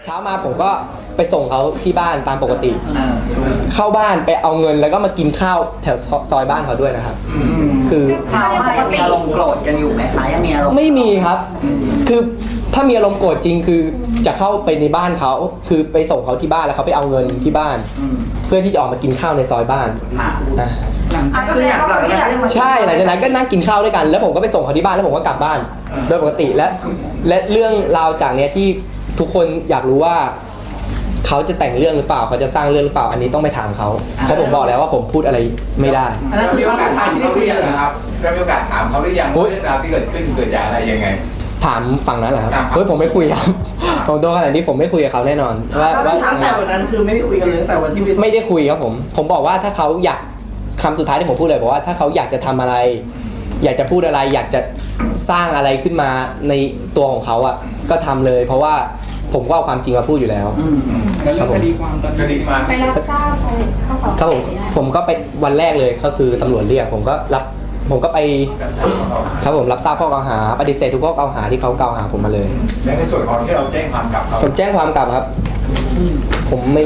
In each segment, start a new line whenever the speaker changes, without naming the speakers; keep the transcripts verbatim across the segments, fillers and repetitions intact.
ช้ามาผมก็ไปส่งเขาที่บ้านตามปกติเข้าบ้านไปเอาเงินแล้วก็มากินข้าวแถวซอยบ้านเขาด้วยนะครับคือ
เช้ามายังมีอารมณ์โกรธกันอยู่ไหมคะยังมีอารมณ์
ไม่มีครับคือถ้ามีอารมณ์โกรธจริงคือจะเข้าไปในบ้านเขาคือไปส่งเขาที่บ้านแล้วเขาไปเอาเงินที่บ้านเพื่อที่จะออกมากินข้าวในซอยบ้านนะ
คืออยากหลังจากนั้น
ใช่หลังจากนั้นก็นั่งกินข้าวด้วยกันแล้วผมก็ไปส่งเขาที่บ้านแล้วผมก็กลับบ้านโดยปกติและและเรื่องราวจากเนี้ยที่ทุกคนอยากรู้ว่าเขาจะแต่งเรื่องหรือเปล่าเขาจะสร้างเรื่องหรือเปล่าอันนี้ต้องไปถามเขาเพราะผมบอกแล้วว่าผมพูดอะไรไม่ได้
อันนั้นคือมีโอกาสถามเขาหรือยังครับเรามีโอกาสถามเขาหรือยังว่าเรื่องราวที่เกิดขึ้นเกิดจากอะไรยังไง
ถามฝั่งนั้นเหรอครับเฮ้ยผมไม่คุยครับผมโดนขนาดนี้ผมไม่คุยกับเขาแน่นอนว่าว่า
ตั้งแต่วันนั้นคือไม่ได้คุยกันเลยตั้งแต่วันที่
ไม่ได้คุยครับผมผมบอกว่าถ้าเขาอยากคำสุดท้ายที่ผมพูดเลยบอกว่าถ้าเขาอยากจะทำอะไร อยากจะพูดอะไร อยากจะสร้างอะไรขึ้นมาในตัวของเขาอ่ะก็ทำเลย เพราะว่าผมก็เอาความจริงมาพูดอยู่แล้ว
แล้วเรื่องคดีความตอน
คดี
นี้
มา
ไปรับทราบข้อเกล่าว
ครับผมผมก็ไปวันแรกเลยก็คือตำรวจเรียกผมก็รับผมก็ไปครับผมรับทราบข้อกล่าวหาปฏิเสธทุกข้อกล่าวหาที่เขากล่าวหาผมมาเลย
และในส่วนของที่เราแจ้งความกลับเขา
ผมแจ้งความกลับครับ ผมไม่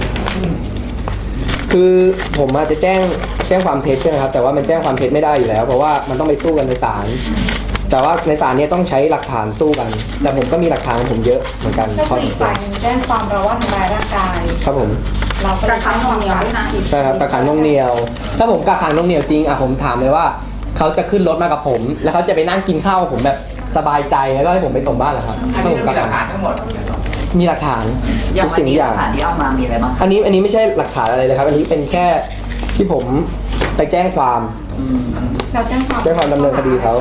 คือผมอาจจะแจ้งแจ้งความเท็จใช่ไหมครับแต่ว่ามันแจ้งความเท็จไม่ได้อยู่แล้วเพราะว่ามันต้องไปสู้กันในศาลแต่ว่าในศาลเนี่ยต้องใช้หลักฐานสู้กัน แต่ผมก็มีหลักฐานของผมเยอะเหมือนกัน
ก็คืออีกฝ่ายหนึงแจ้งความเราว่าทำร้ายร่างกาย
ครับผม
เราก็เลยตั้งความเหนียวด้วยนะ
ใช่ครับกักขังน่วงเหนียว ถ้าผมกักขังน่วงเหนียวจริงอ่ะผมถามเลยว่าเขาจะขึ้นรถมากับผม แล้วเขาจะไปนั่งกินข้าวกับผมแบบสบายใจแล้วก็ให้ผมไปส่งบ้านเหรอครับ
อัน
ถ้า
นี้
ผม
มี
กัก
หลั
ขั
ก
ง
ฐานทั้งหมด
มีหลักฐาน
อย่าง
ทุก
วัน
สิ่งทุ
นี้
กอ
หลั
ย่าง
กฐานที่เอามามีอะไรบ้าง
อันนี้อันนี้ไม่ใช่หลักฐานอะไรเลยครับ อันนี้เป็นแค่ที่ผมไปแจ้งความ
เราแจ้งความ
แจ้งความดำเนินคดีเขา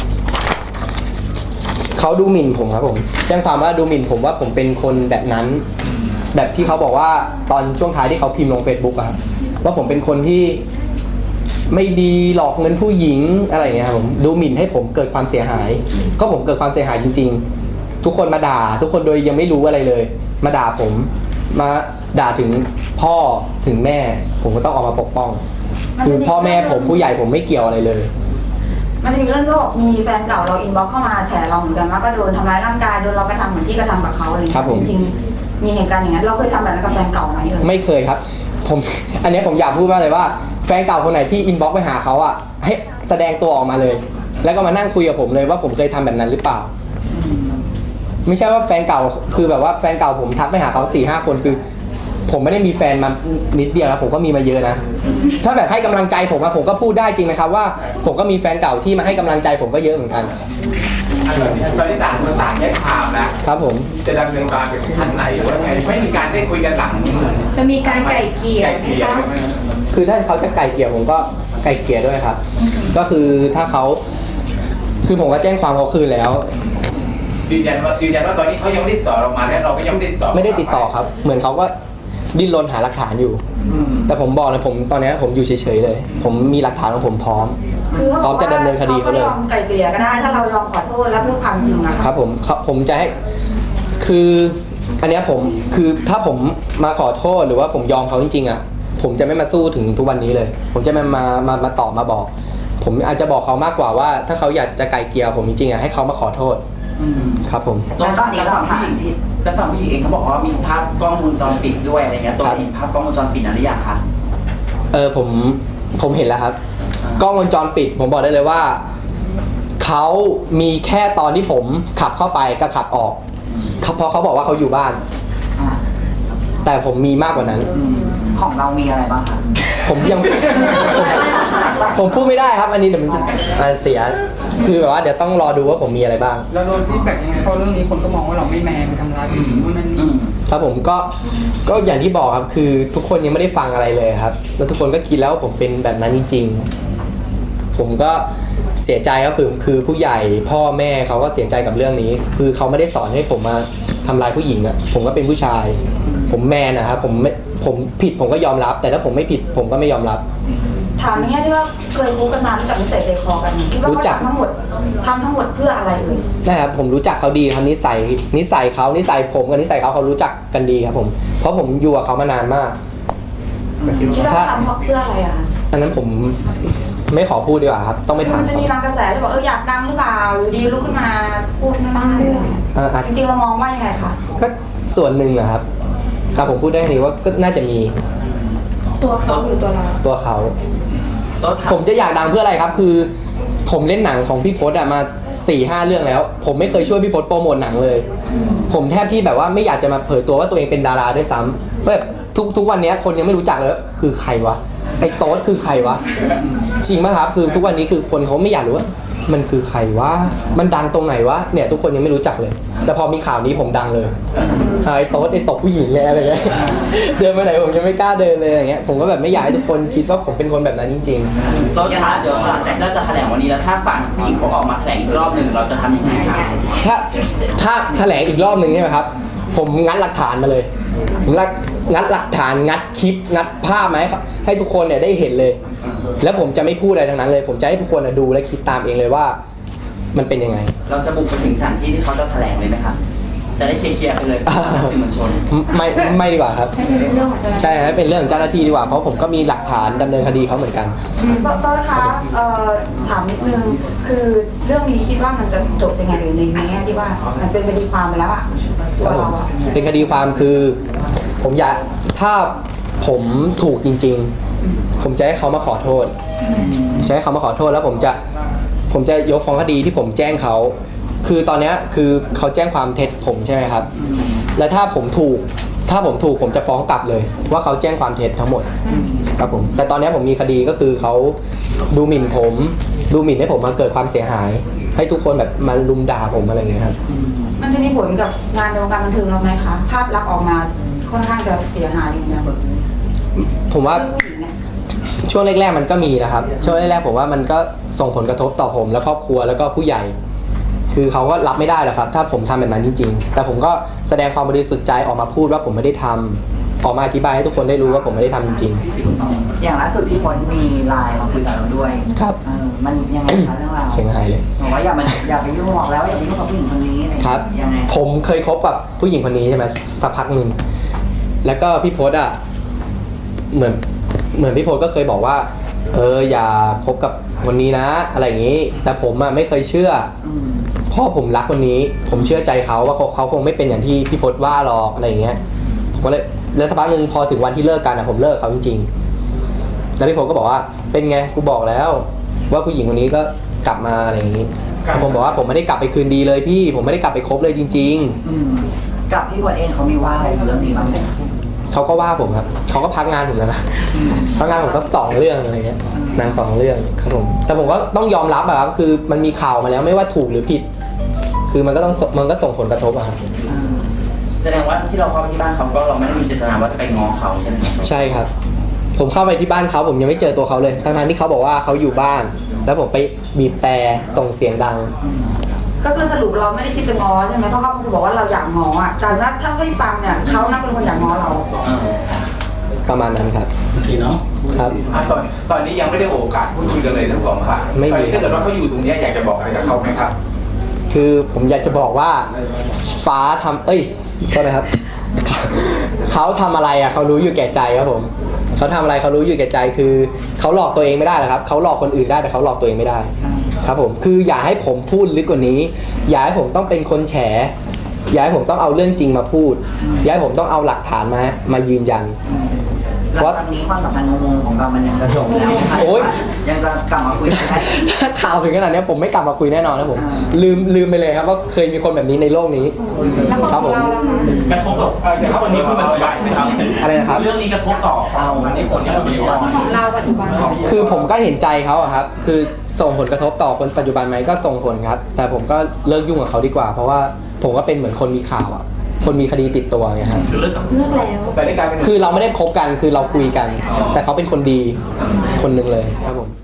เขาดูหมิ่นผมครับผม แจ้งความว่าดูหมิ่นผมว่าผมเป็นคนแบบนั้น แบบที่เขาบอกว่าตอนช่วงท้ายที่เขาพิมพ์ลง Facebook อะครับว่าผมเป็นคนที่ไม่ดีหลอกเงินผู้หญิงอะไรอย่างเงี้ยครับผมดูหมิ่นให้ผมเกิดความเสียหาย ก็ผมเกิดความเสียหายจริง ๆ ทุกคนมาด่า ทุกคนโดยยังไม่รู้อะไรเลย มาด่าผม มาด่าถึงพ่อถึงแม่ ผมก็ต้องออกมาปกป้อง คือพ่อแม่ผมผู้ใหญ่ผมไม่เกี่ยวอะไรเลย
มันจะมีเรื่องที่บอกมีแฟนเก่าเราอินบ็อกซ์เข้ามาแฉเราเหมือนกันว่าก็โดนทำร้ายร่างกายโดนเรากระทำเหมือนที่กระทำกับเขาอะไรอย่าง
ครั
เงี้
บผม
ยจริงๆมีเหตุการณ์อย่างนั้นเราเคยทำแบบนั้นกับแฟนเก่าไหมเอ่ย
ไม่เคยครับ ผม อันเนี้ยผมอยากพูดมากเลยว่าแฟนเก่าคนไหนที่อินบ็อกซ์ไปหาเขาอ่ะให้แสดงตัวออกมาเลย แล้วก็มานั่งคุยกับผมเลยว่าผมเคยทำแบบนั้นหรือเปล่า ไม่ใช่ว่าแฟนเก่าคือแบบว่าแฟนเก่าผมทักไปหาเขาสี่ห้าคนคือ ผมไม่ได้มีแฟนมานิดเดียวแล้วผมก็มีมาเยอะนะ ถ้าแบบให้กำลังใจผมอะผมก็พูดได้จริงนะครับว่าผมก็มีแฟนเก่าที่มาให้กำลังใจผมก็เยอะเหมือนกัน
ตอนนี้ต่างคนต่างแยกข่าวนะครับ
ผม
จะดำเนินการเป็นขั้นไหนหรือว่าไงไม่มีการได้คุยกันหลัง
จะมีการไก่เกลี่ย
ไก่
ไหม
เกลี่ย
คะ
ไหม
คือถ้าเขาจะไกลเกลี่ยผมก็ไกลเกลี่ยด้วยครับ ก็คือถ้าเขาคือผมก็แจ้งความเขาคืนแล้ว
ยืนยันว่ายืนยันว่าตอนนี้เขายังไม่ได้ติดต่อเรามาและเราก็ยังไม่ได้ติดต่อ
ไม่ได้ติดต่อครับ เหมือนเขาก็ดิ้นรนหาหลักฐานอยู่ แต่ผมบอกเลยผมตอนนี้ผมอยู่เฉยๆเลย ผมมีหลักฐานของผมพร้อม
คือเขา
พร้อมจะดำเนินคดีเขาเลย
ยอมไกลเกลี่ยก็ได้ถ้าเรายอมขอโทษและพูดความจริงอะ
ครับผมเขาผมจะให้คืออันเนี้ยผมคือถ้าผมมาขอโทษหรือว่าผมยอมเขาจริงๆอ่ะผมจะไม่มาสู้ถึงทุกวันนี้เลย ผมจะมามามามาตอบมาบอก ผมอาจจะบอกเขามากกว่าว่า ถ้าเขาอยากจะไกลเกลี่ยผมจริงๆอ่ะให้เขามาขอโทษครับผม
แล้วก็อีกฝั่งผู้หญิงที่แล้วฝั่งผู้หญิงเองเขาบอกว่ามีภาพกล้องวงจรปิดด้วยอะไรเงี้ยตัวเองภาพกล้องวงจรปิดนั้นหรือยังคะ
เออผมผมเห็นแล้วครับกล้องวงจรปิด ผมบอกได้เลยว่าเขามีแค่ตอนที่ผมขับเข้าไปก็ขับออกเขาเพราะเขาบอกว่าเขาอยู่บ้าน
อ่า
แต่ผมมีมากกว่านั้น
อืมของเรามีอะไรบ้างคะ
ผมยังผมผมพูดไม่ได้ครับ อันนี้เดี๋ยวมันจะอ่าเสีย คือแบบว่าเดี๋ยวต้องรอดูว่าผมมีอะไรบ้าง
เราโดนฟีดแบ็กยังไงเพราะเรื่องนี้คนก็มองว่าเราไม่แมนทำร้ายผู้หญิงนู่นนั่น
อื
นี่
ม
ครับผมก็ก็อย่างที่บอกครับคือทุกคนยังไม่ได้ฟังอะไรเลยครับ แล้วทุกคนก็คิดแล้วว่าผมเป็นแบบนั้นจริงๆผมก็เสียใจครับคือคือผู้ใหญ่พ่อแม่เขาก็เสียใจกับเรื่องนี้ คือเขาไม่ได้สอนให้ผมมาทำร้ายผู้หญิงอ่ะผมก็เป็นผู้ชาย ผมแมนนะครับผมไม่ผมผิดผมก็ยอมรับ แต่ถ้าผมไม่ผิดผมก็ไม่ยอมรับ
ถามในแง่ที่ว่าเคยรู้กันมารู้จักนิสัยใจคอกันคิดว่า
รู้
เขา
จัก
ทำทั้งหมดทำทั้งหมดเพื่ออะไรเอ่ย
นะครับผมรู้จักเขาดีครับนิสัยนิสัยเขานิสัยผมกับนิสัยเขาเขารู้จักกันดีครับผมเพราะผมอยู่กับเขามานานมาก
คิดว่าเขาทำเพราะเพื่ออะไรอะคะ
อันนั้นผมไม่ขอพูดดีกว่าครับต้องไปถาม
มันจะ
เขา
มีบางกระแสที่บอกเอออยากดังหรือเปล่าอยู่ดีลุกขึ้นมาพูด
สร้างเรื่อง
อ่าอาจ
จริงๆเรามองว่ายังไงคะ
ก็ส่วนหนึ่งอะครับครับผมพูดได้แค่นี้ว่าก็น่าจะมี
ตัวเขาหรือตัวเรา
ตัวเขา
ต้น
ผมจะอยากดังเพื่ออะไรครับ คือผมเล่นหนังของพี่พศอะมาสี่ห้าเรื่องแล้ว ผมไม่เคยช่วยพี่พศโปรโมทหนังเลย ผมแทบที่แบบว่าไม่อยากจะมาเผยตัวว่าตัวเองเป็นดาราด้วยซ้ำแบบทุกทุกวันนี้คนยังไม่รู้จักเลยว่าคือใครวะไอ้โต๊ดคือใครวะจริงไหมครับคือทุกวันนี้คือคนเขาไม่อยากรู้ว่ามันคือใครวะมันดังตรงไหนวะเนี่ยทุกคนยังไม่รู้จักเลย แต่พอมีข่าวนี้ผมดังเลยไอ้โต๊ดไอ้ตกผู้หญิงเลยอะไรเงี้ยเดินไปไหนผมยังไม่กล้าเดินเลยอย่างเงี้ยผมก็แบบไม่อยากให้ทุกคนคิดว่าผมเป็นคนแบบนั้นจริง ๆ
ต้นคะเดี๋ยวหลังจากที่เราจะแถลงวันนี้แล้วถ้าฝั่งผู้หญิงเขาออกมาแถลงอีกรอบหนึ่งเราจะทำยังไงคะ
ถ้าถ้าแถลงอีกรอบหนึ่งใช่ไหมครับ ผมงัดหลักฐานมาเลยผมงัดงัดหลักฐานงัดคลิปงัดภาพมาให้ให้ทุกคนเนี่ยได้เห็นเลย แล้วผมจะไม่พูดอะไรทั้งนั้นเลย ผมจะให้ทุกคนน่ะดูและคิดตามเองเลยว่ามันเป็นยังไง
เราจะบุกไปถึงสถานที่ที่เขาจะแถลงเลยไหมครับจะได้เคลียร์ๆไปเลยสื่อมวลชน
ไม่ไม่ดีกว่าครับ
ให้เป็นเรื่องของเจ้าหน้าที่
ใช่ครับเป็นเรื่องของเจ้าหน้าที่ดีกว่าเพราะผมก็มีหลักฐานดำเนินคดีเขาเหมือนกัน
ต้นต้นคะเอ่อถามนิดนึงคือเรื่องนี้คิดว่ามันจะจบยังไงหรือในแง่ที่ว่ามันเป็นคดีความไปแล้วอะตัวเราอะ
เป็นคดีความคือผมอยากถ้าผมถูกจริง ๆ ผมจะให้เขามาขอโทษจะให้เขามาขอโทษแล้วผมจะผมจะยกฟ้องคดีที่ผมแจ้งเขาคือตอนเนี้ยคือเขาแจ้งความเท็จผมใช่ไหมครับและถ้าผมถูกถ้าผมถูกผมจะฟ้องกลับเลย ว่าเขาแจ้งความเท็จทั้งหมดครับผมแต่ตอนเนี้ยผมมีคดีก็คือเขาดูหมิ่นผมดูหมิ่นให้ผมมาเกิดความเสียหาย ให้ทุกคนแบบมาลุมด่าผมอะไรอย่างเงี้ยครับ
มันจะมีผลกับงานในวงการบันเทิงเราไหมคะภาพลักษณ์ออกมาค่อนข้างจะเสียหายอย่างเงี้ย
ผมว่า
ผู้หญิงเนี่ย
ช่วงแรกๆมันก็มีนะครับช่วงแรกๆผมว่ามันก็ส่งผลกระทบต่อผมและครอบครัวแล้วก็ผู้ใหญ่ คือเขาก็รับไม่ได้หรอกครับ ถ้าผมทำแบบนั้นจริงๆแต่ผมก็แสดงความบริสุทธิ์ใจออกมาพูดว่าผมไม่ได้ทำออกมาอธิบายให้ทุกคนได้รู้ว่าผมไม่ได้ทำจริง
อย่างล่าสุดพี่พลมีไลน์มาคุยกับเราด้วย
ครับ
เออมันยังไงคะเรื่องราว
เสียงหายเลย
บอกว่าอย่ามาอย่าไปยุ่งบอกแล้วว่าอย่าไปยุ่งกับผู้หญิงคนนี้อะไรอย่าง
ค
เงี้ย
รับ
ยังไง
ผมเคยคบกับผู้หญิงคนนี้ใช่ไหมสักพักหนึ่งแล้วก็พี่พศอ่ะเหมือนเหมือนพี่พศก็เคยบอกว่า เอออย่าคบกับคนนี้นะ อะไรอย่างนี้ แต่ผมอ่ะไม่เคยเชื่อ
อืม
เพ่อผมรักคนนี้ ผมเชื่อใจเขาว่าเขาเขาคงไม่เป็นอย่างที่พี่พศว่าหรอกอะไรอย่างเงี้ยผมก็เลยแล้วสักพักหนึ่งพอถึงวันที่เลิกกันอ่ะผมเลิกเขาจริงๆแล้วพี่พศก็บอกว่าเป็นไงกูบอกแล้ว ว่าผู้หญิงคนนี้ก็กลับมาอะไรอย่างนี้แต่ผมบอกว่าผมไม่ได้กลับไปคืนดีเลยพี่ผมไม่ได้กลับไปคบเลยจริง ๆ
อืมกับพี่พลเองเขามีว่าอะไรเรื่องนี้บ้างไหม
เขาก็ว่าผมครับ เขาก็พักงานผมแล้วนะ พักงานผมสักสองเรื่องอะไรเงี้ยหนางสองเรื่องครับผม แต่ผมก็ต้องยอมรับอะครับ คือมันมีข่าวมาแล้วไม่ว่าถูกหรือผิด คือมันก็ต้องมันก็ส่งผลกระทบอะครับ
อืม
แสดงว่าที่เราเข้าไปที่บ้านเขาก็เราไม่ได้มีเจตนาว่าจะไปง้อเขาใช่ไหมครับ
ใช่ครับ ผมเข้าไปที่บ้านเขาผมยังไม่เจอตัวเขาเลยทั้งๆที่เขาบอกว่าเขาอยู่บ้าน แล้วผมไปบีบแต่ส่งเสียงดัง
ก็คือสรุปเราไม่ได้คิดจะง้อใช่ไหมเพราะเขาบอกว่าเราอยากง้ออ่ะแต่ว่าถ้าไม่ฟังเนี่ยเขาน่าเป็นคนอยากง้อเรา
อ่า
ประมาณนั้นครับ
โอเคเนาะ
ครับ
อ่ะตอนตอนนี้ยังไม่ได้โอกาสพูดคุยกันเลยทั้งสองฝ่าย
ไม่มี
ตอนนี้ถ้าเกิดว่าเขาอยู่ตรงเนี้ยอยากจะบอกอะไรกับเขาไหมครับ
คือผมอยากจะบอกว่าฟ้าทำเอ้ยโทษนะครับ เขาทำอะไรอ่ะเขารู้อยู่แก่ใจครับผมเขาทำอะไรเขารู้อยู่แก่ใจคือเขาหลอกตัวเองไม่ได้หรอกครับเขาหลอกคนอื่นได้แต่เขาหลอกตัวเองไม่ได้ ครับผมคืออย่าให้ผมพูดลึกกว่านี้ อย่าให้ผมต้องเป็นคนแฉ อย่าให้ผมต้องเอาเรื่องจริงมาพูด อย่าให้ผมต้องเอาหลักฐานมามายืนยัน
หลังจากนี้ความสัมพันธ์งงๆของเรามันยังจะจบแล้วไหม
โอ๊ย
ยังจะกลับมาคุยกันได้อีก
ถ้าข่าวถึงขนาดนี้ผมไม่กลับมาคุยแน่นอนนะผม
อ่า
ลืมลืมไปเลยครับว่าเคยมีคนแบบนี้ในโลกนี้
แล้ว
ครับ
ข
ผ
อง
ม
เราล่ะคะ
กระทบกับคนนี้คือมันใช่ไหมครับ
อะไรนะครับ
เรื่องนี้กระทบต่อเราในคนที่เราเป็นก่อน
ของเราปัจจุบัน
คือผมก็เห็นใจเขาอะครับ คือส่งผลกระทบต่อคนปัจจุบันไหมก็ส่งผลครับ แต่ผมก็เลิกยุ่งกับเขาดีกว่า เพราะว่าผมก็เป็นเหมือนคนมีข่าวอะคนมีคดีติดตัวไงครับ
คือเลิกกับ
เลือกแล้ว
แต่ในการเป็น
คือเราไม่ได้คบกัน คือเราคุยกัน แต่เขาเป็นคนดีคนหนึ่งเลยครับผม